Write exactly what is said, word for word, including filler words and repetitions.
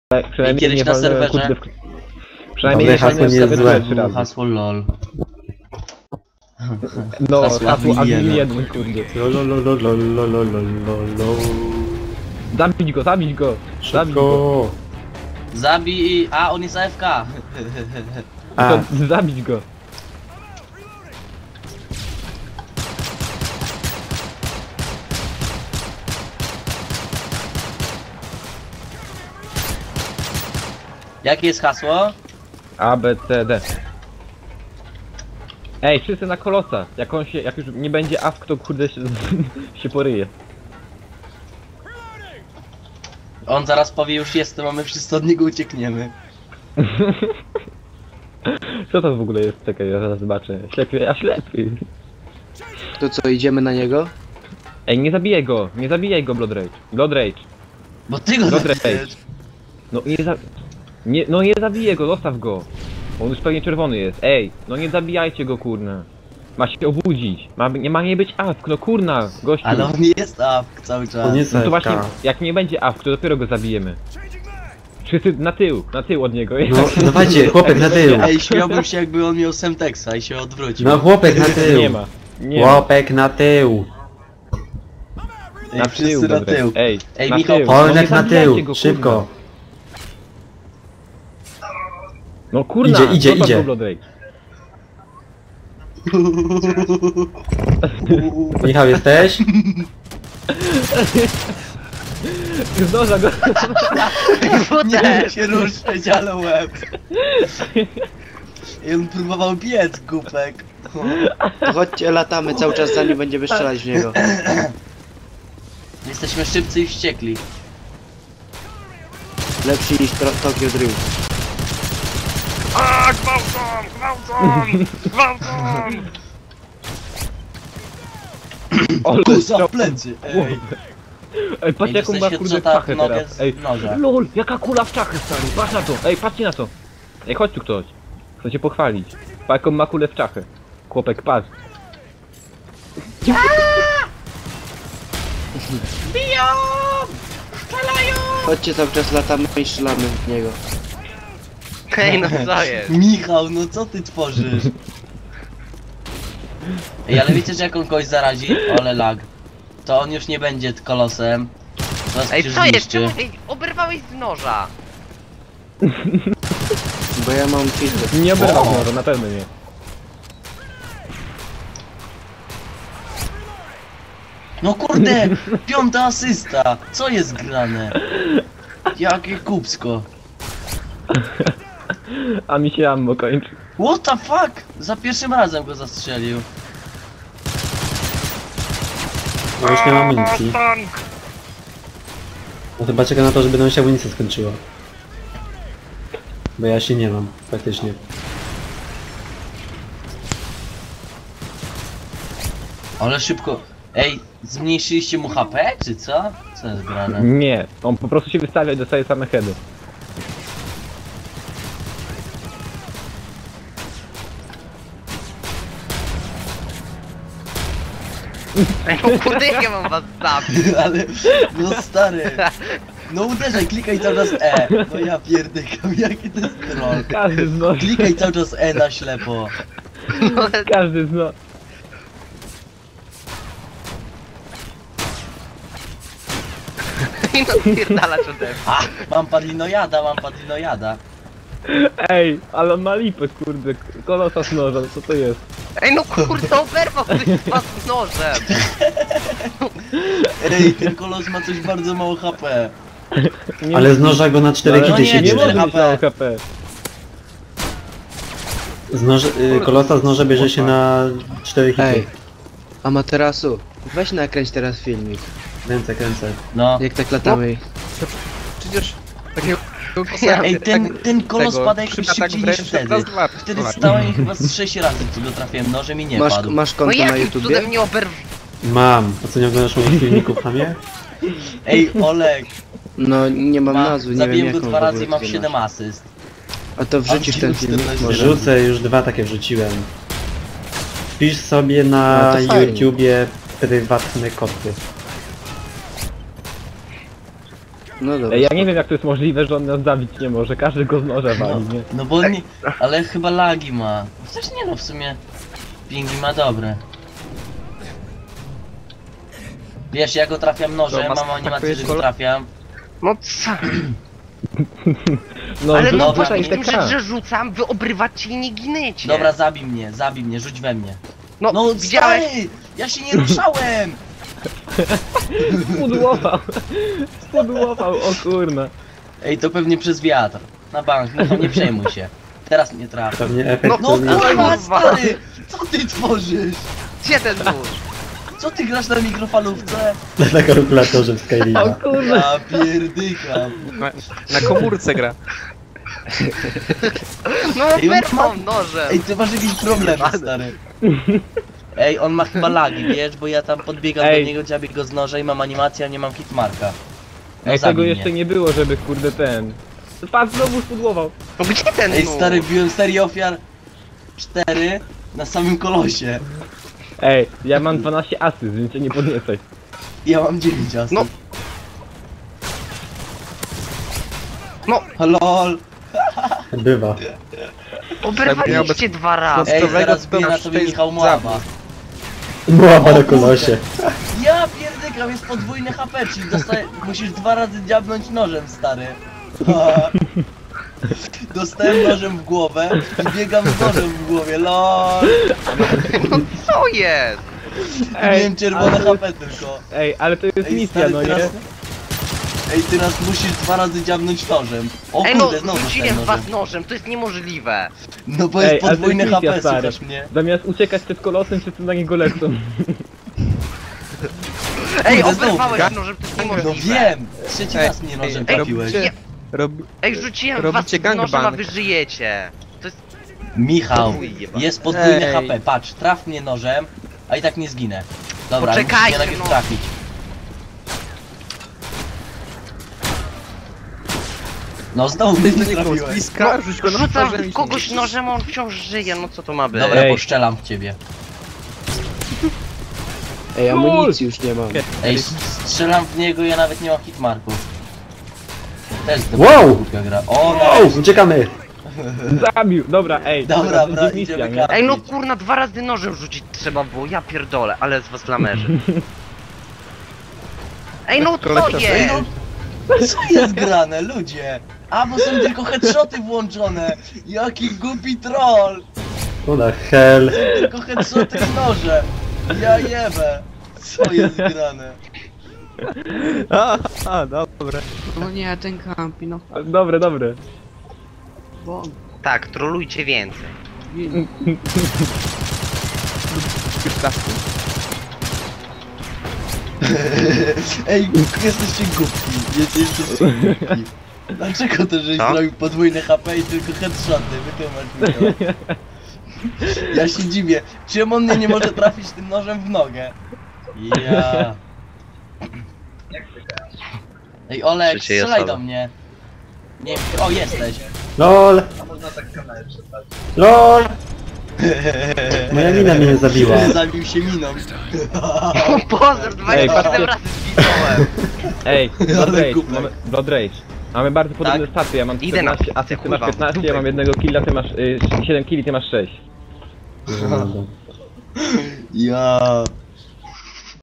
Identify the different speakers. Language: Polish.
Speaker 1: przynajmniej
Speaker 2: kiedyś
Speaker 1: nie
Speaker 2: na
Speaker 1: walnąłem,
Speaker 2: serwerze.
Speaker 1: kurde, w... Przynajmniej nie
Speaker 3: hasło
Speaker 1: walnąłem
Speaker 3: nie jest
Speaker 1: serwerze
Speaker 3: złe.
Speaker 1: trzy razy.
Speaker 2: Hasło lol.
Speaker 1: No,
Speaker 2: hasło
Speaker 1: hasło
Speaker 2: Admin
Speaker 1: admin
Speaker 2: jeden.
Speaker 1: jeden, kurde.
Speaker 3: Lololololololololol.
Speaker 1: Zabić go, zabić go! Zabić go!
Speaker 3: Szybko.
Speaker 2: Zabij... A, on jest A F K.
Speaker 3: A,
Speaker 1: To, zabić go!
Speaker 2: Jakie jest hasło?
Speaker 1: A, B, C, D. Ej, wszyscy na kolosa! Jak on się, jak już nie będzie A F K, to kurde się, się poryje.
Speaker 2: On zaraz powie, już jestem, a my wszyscy od niego uciekniemy.
Speaker 1: Co to w ogóle jest? Czekaj, ja zaraz zobaczę. Ślepy, a ślepy!
Speaker 4: To co, idziemy na niego?
Speaker 1: Ej, nie zabijaj go! Nie zabijaj go, Blood Rage! Blood Rage!
Speaker 2: Bo ty go
Speaker 1: Dobra,
Speaker 2: zabijesz.
Speaker 1: No nie za... Nie, no nie zabiję go, zostaw go! On już pewnie czerwony jest. Ej, no nie zabijajcie go, kurna. Ma się obudzić. Ma, nie ma nie być A F K, no kurna, gościu.
Speaker 2: Ale on jest A F K cały czas.
Speaker 3: on jest
Speaker 1: No to właśnie,
Speaker 3: A F K.
Speaker 1: jak nie będzie A F K, to dopiero go zabijemy. Wszyscy na tył, na tył od niego.
Speaker 3: No, dawajcie, chłopek na tył.
Speaker 2: Ej, śmiałbym się, jakby on miał Semtexa i się odwrócił.
Speaker 3: No, chłopek na tył.
Speaker 1: Nie ma. Nie ma.
Speaker 3: Chłopek na tył.
Speaker 2: Ej,
Speaker 1: Na
Speaker 2: wszyscy
Speaker 1: tył,
Speaker 2: na
Speaker 1: dobra.
Speaker 2: tył.
Speaker 1: Ej,
Speaker 2: Ej,
Speaker 1: na
Speaker 2: Michał,
Speaker 1: tył.
Speaker 2: Polek
Speaker 1: No nie
Speaker 3: Polek na
Speaker 1: zabijajcie
Speaker 3: tył,
Speaker 1: go,
Speaker 3: szybko.
Speaker 1: kurna. No kurna,
Speaker 3: Idzie, idzie,
Speaker 1: zostaw
Speaker 3: idzie.
Speaker 1: go, Blood Rage.
Speaker 3: Michał, jesteś?
Speaker 1: Zdąża go.
Speaker 2: Nie się ruszać, ale łeb. I on próbował biec, głupek.
Speaker 4: To chodźcie, latamy cały czas, zanim będziemy strzelać w niego.
Speaker 2: Jesteśmy szybcy i wściekli.
Speaker 4: Lepszy niż Tro- Tokyo Drift.
Speaker 5: A, gwałcą! Gwałcą! Gwałcą!
Speaker 1: Ale
Speaker 2: Kusa
Speaker 1: strzał-
Speaker 2: w plecy, ej.
Speaker 1: Ej, patrz
Speaker 2: Ej,
Speaker 1: jaką ma
Speaker 2: dostałeś
Speaker 1: kurde
Speaker 2: headshota w
Speaker 1: czachę
Speaker 2: nogę
Speaker 1: teraz.
Speaker 2: z
Speaker 1: Ej,
Speaker 2: noża.
Speaker 1: lol, jaka kula w czachę, stary, patrz na to. Ej, patrzcie na to. Ej, chodź tu ktoś. Chcę cię pochwalić. Pa jaką ma kulę w czachę. Chłopek, patrz.
Speaker 4: Chodźcie, cały czas latamy i strzelamy w niego.
Speaker 5: Hej, no co jest?
Speaker 2: Michał, no co ty tworzysz? Ej, ale wiecie, że jak on kogoś zarazi? Ole lag. To on już nie będzie kolosem. Was
Speaker 5: Ej,
Speaker 2: się
Speaker 5: co jest?
Speaker 2: zniszczy.
Speaker 5: Czemu ej, oberwałeś z noża?
Speaker 4: Bo ja mam filtr.
Speaker 1: Nie oberwał
Speaker 2: O!
Speaker 1: może, na pewno nie.
Speaker 2: No kurde, piąta asysta. Co jest grane? Jakie kupsko.
Speaker 1: A mi się ammo kończy.
Speaker 2: What the fuck? Za pierwszym razem go zastrzelił.
Speaker 3: No już nie mam amunicji.
Speaker 5: Tank!
Speaker 3: No chyba czeka na to, żeby nam się amunicja skończyła. Bo ja się nie mam, praktycznie.
Speaker 2: Ale szybko. Ej, zmniejszyliście mu H P, czy co? Co jest grane?
Speaker 1: Nie, on po prostu się wystawia i dostaje same heady.
Speaker 5: Ej, no kurde, jak ja mam was zabić?
Speaker 2: Ale, no stary. No uderzaj, klikaj cały czas E. No ja pierdykam, jaki to jest troll.
Speaker 1: Każdy znosi.
Speaker 2: Klikaj cały czas E na ślepo.
Speaker 5: No,
Speaker 1: Każdy znosi.
Speaker 5: ej, no pierdalacz ode mnie.
Speaker 2: A, mam padlinojada, mam padlinojada.
Speaker 1: Ej, ale on ma lipę, kurde. Kolosa z noża, co to jest?
Speaker 5: Ej, no kurde, oberwał ktoś z was z nożem.
Speaker 2: Ej, ten kolos ma coś bardzo mało H P.
Speaker 1: Nie
Speaker 3: Ale z noża go na cztery
Speaker 1: ale
Speaker 2: no
Speaker 3: hity
Speaker 2: nie,
Speaker 3: się
Speaker 1: nie
Speaker 2: cztery
Speaker 1: może
Speaker 3: bierze.
Speaker 1: mieć mało H P.
Speaker 3: Z noża, y, kolosa z noża bierze się na cztery hity.
Speaker 4: Ej, Amaterasu, weź nakręć teraz filmik.
Speaker 3: Kręcę, kręcę.
Speaker 2: No.
Speaker 4: Jak tak latamy.
Speaker 6: Przecież takiego
Speaker 2: Ej, ten, ten kolos
Speaker 6: tego,
Speaker 2: pada jakoś
Speaker 6: trzyma tak
Speaker 2: szybciej niż
Speaker 6: wręcz
Speaker 2: wtedy.
Speaker 6: raz, dwa,
Speaker 2: Wtedy
Speaker 6: dwa.
Speaker 2: stałem i chyba z sześć razy co go trafiłem nożem i nie
Speaker 4: Masz,
Speaker 2: padł.
Speaker 4: masz
Speaker 5: No
Speaker 4: konto na
Speaker 5: jakim
Speaker 4: YouTubie?
Speaker 5: cudem nie oberw...
Speaker 3: Mam. A co, nie oglądasz moich filmików, hamie?
Speaker 2: Ej, Olek,
Speaker 4: No nie mam
Speaker 2: ma,
Speaker 4: nazwy, nie wiem
Speaker 2: zabiłem
Speaker 4: jaką
Speaker 2: go
Speaker 4: w
Speaker 2: dwa
Speaker 4: ogóle
Speaker 2: razy i mam
Speaker 4: ty
Speaker 2: siedem
Speaker 4: masz.
Speaker 2: asyst.
Speaker 4: A to wrzucisz ten filmik może?
Speaker 3: Rzucę, już dwa takie wrzuciłem. Wpisz sobie na
Speaker 4: No to fajnie.
Speaker 3: YouTubie prywatne koty.
Speaker 4: No dobra.
Speaker 1: Ej, ja nie wiem jak to jest możliwe, że on nas zabić nie może, każdy go z noża
Speaker 2: No,
Speaker 1: wali, nie?
Speaker 2: no bo nie, ale chyba lagi ma. Chociaż nie no, w sumie pingi ma dobre. Wiesz, ja go trafiam nożem,
Speaker 6: No,
Speaker 2: mam animację, że go
Speaker 6: kol-
Speaker 2: trafiam.
Speaker 5: No co?
Speaker 1: No,
Speaker 5: Ale no
Speaker 2: dobra,
Speaker 5: właśnie,
Speaker 2: i
Speaker 5: w tym
Speaker 1: taka.
Speaker 5: rzecz, że rzucam, wy obrywacie i nie ginęcie.
Speaker 2: Dobra, zabij mnie, zabij mnie, rzuć we mnie.
Speaker 5: no,
Speaker 2: No
Speaker 5: widziałeś?
Speaker 2: stary, ja się nie ruszałem!
Speaker 1: spudłował. Spudłował, o kurna.
Speaker 2: Ej, to pewnie przez wiatr. Na bank, no to nie przejmuj się. Teraz mnie trafi.
Speaker 3: Pewnie efekt
Speaker 2: No
Speaker 3: to
Speaker 2: kurwa, stary! Co ty tworzysz?
Speaker 5: Gdzie ten nóż?
Speaker 2: Co ty grasz na mikrofalówce?
Speaker 3: na kalkulatorze w
Speaker 1: O
Speaker 3: Skyrima.
Speaker 1: kurna.
Speaker 2: Ja pierdykam.
Speaker 6: Na, na komórce gra.
Speaker 5: No
Speaker 2: Ej, on
Speaker 5: wyrwał
Speaker 2: ma-
Speaker 5: nożem.
Speaker 2: Ej, ty masz jakieś problemy, stary. Ej, on ma chyba lagi, wiesz, bo ja tam podbiegam
Speaker 1: Ej.
Speaker 2: do niego, dziabię go z noża i mam animację, a nie mam hitmarka. No
Speaker 1: Ej, tego
Speaker 2: zabij
Speaker 1: jeszcze
Speaker 2: mnie.
Speaker 1: nie było, żeby kurde ten... Patrz, znowu spudłował.
Speaker 5: No gdzie ten
Speaker 2: Ej,
Speaker 5: nóż?
Speaker 2: stary, biłem serię ofiar cztery na samym kolosie.
Speaker 1: Ej, ja mam dwanaście asyst, więc cię nie podniecaj.
Speaker 2: Ja mam dziewięć asyst.
Speaker 5: No. No,
Speaker 2: Lol.
Speaker 3: Bywa.
Speaker 5: oberwaliście dwa razy.
Speaker 2: Ej,
Speaker 6: Zdrowego
Speaker 2: zaraz bije na
Speaker 6: to
Speaker 2: tobie
Speaker 6: jest
Speaker 2: Michał Mława.
Speaker 3: Była
Speaker 2: O
Speaker 3: na kolosie.
Speaker 2: Ja pierdykam, jest podwójny H P, czyli dostaję, musisz dwa razy dziabnąć nożem, stary. Dostałem nożem w głowę i biegam z nożem w głowie, lol.
Speaker 5: No co jest?
Speaker 2: Miałem czerwone
Speaker 1: ale-
Speaker 2: H P tylko.
Speaker 1: Ej, ale to jest
Speaker 2: Ej,
Speaker 1: misja,
Speaker 2: stary,
Speaker 1: no nie?
Speaker 2: teraz... Ej, teraz musisz dwa razy dziabnąć nożem. O
Speaker 5: Ej no,
Speaker 2: kurde, znowu
Speaker 5: rzuciłem
Speaker 2: dostałem
Speaker 5: w was
Speaker 2: nożem.
Speaker 5: nożem, to jest niemożliwe.
Speaker 2: No bo jest
Speaker 1: Ej, ale to
Speaker 2: podwójne
Speaker 1: jest
Speaker 2: H
Speaker 1: misja,
Speaker 2: P,
Speaker 1: stary.
Speaker 2: słuchasz mnie?
Speaker 1: Zamiast uciekać przed kolosem, wszyscy na niego lecą.
Speaker 5: Ej,
Speaker 2: Kurde, znowu
Speaker 5: oberwałeś
Speaker 6: tak?
Speaker 5: nożem, to jest
Speaker 2: No
Speaker 5: niemożliwe.
Speaker 2: wiem! Trzeci
Speaker 6: Ej,
Speaker 2: raz mnie nożem
Speaker 6: ej,
Speaker 2: trafiłeś.
Speaker 6: robicie- Rob...
Speaker 5: Ej, rzuciłem w was
Speaker 6: Robicie
Speaker 5: nożem, a
Speaker 6: gangbang.
Speaker 5: wy żyjecie. To jest...
Speaker 2: Michał,
Speaker 5: Chuj jeba.
Speaker 2: jest podwójny
Speaker 6: Ej.
Speaker 2: H P, patrz, traf mnie nożem, a i tak nie zginę. Dobra, musisz
Speaker 5: Poczekajcie,
Speaker 2: mnie najpierw
Speaker 5: no.
Speaker 2: trafić. No znowu mnie nie trafiłeś.
Speaker 6: Bliska, rzuć go
Speaker 5: No,
Speaker 6: na
Speaker 5: rzucam
Speaker 6: nożem i
Speaker 5: w kogoś
Speaker 6: się-
Speaker 5: nożem, a on wciąż żyje, no co to ma być?
Speaker 2: Dobra,
Speaker 1: Ej.
Speaker 2: poszczelam w ciebie.
Speaker 4: Ej, amunicji już nie mam.
Speaker 2: Ej, s- strzelam w niego, ja nawet nie mam hitmarków. Też to
Speaker 3: Wow!
Speaker 2: głupia gra. O,
Speaker 3: O,
Speaker 2: nice.
Speaker 3: uciekamy!
Speaker 1: Zabił, dobra, ej.
Speaker 2: Dobra,
Speaker 1: teraz
Speaker 2: bra,
Speaker 1: będzie misja,
Speaker 2: idziemy
Speaker 1: nie?
Speaker 2: karmić.
Speaker 5: Ej no kurna, dwa razy nożem rzucić trzeba było, ja pierdolę, ale z was lamerzy. Ej no co
Speaker 6: Kolekcja-
Speaker 2: Ej,
Speaker 5: jest?
Speaker 2: no, co jest grane, ludzie? A, bo są tylko headshoty włączone. Jaki głupi troll.
Speaker 3: What the hell?
Speaker 2: Tylko headshoty i noże. Ja jebę. Co jest grane?
Speaker 6: A, a, dobra.
Speaker 7: No nie, ten kampi, no.
Speaker 1: Dobre, dobre.
Speaker 7: Bo...
Speaker 5: Tak, trolujcie więcej.
Speaker 6: Już trafił.
Speaker 2: Ej, jesteście głupi. Jesteście głupi. Dlaczego to, żeś
Speaker 5: Co?
Speaker 2: zrobił podwójne H P i tylko headshoty? Wytłumacz mi to. Ja się dziwię. Czemu on mnie nie może trafić tym nożem w nogę? Ja. Ej, Olek,
Speaker 5: Trzeciej
Speaker 2: strzelaj
Speaker 5: osoby.
Speaker 2: do mnie. Nie wiem, o jesteś.
Speaker 3: LOL! LOL! Moja mina mnie zabiła.
Speaker 2: Zabił się miną.
Speaker 5: O Boże, dwadzieścia siedem
Speaker 1: patrzcie.
Speaker 5: razy zginąłem.
Speaker 1: Ej,
Speaker 2: Ale
Speaker 1: Blood Rage,
Speaker 2: głupek.
Speaker 1: mamy, Blood Rage. Mamy bardzo podobne
Speaker 2: Tak?
Speaker 1: staty, ja mam
Speaker 5: Idę na
Speaker 1: czternaście, a ty
Speaker 5: kurwa,
Speaker 1: masz piętnaście, ja
Speaker 5: dupę.
Speaker 1: mam jednego killa, ty masz y, siedem killi, ty masz sześć.
Speaker 2: Ja.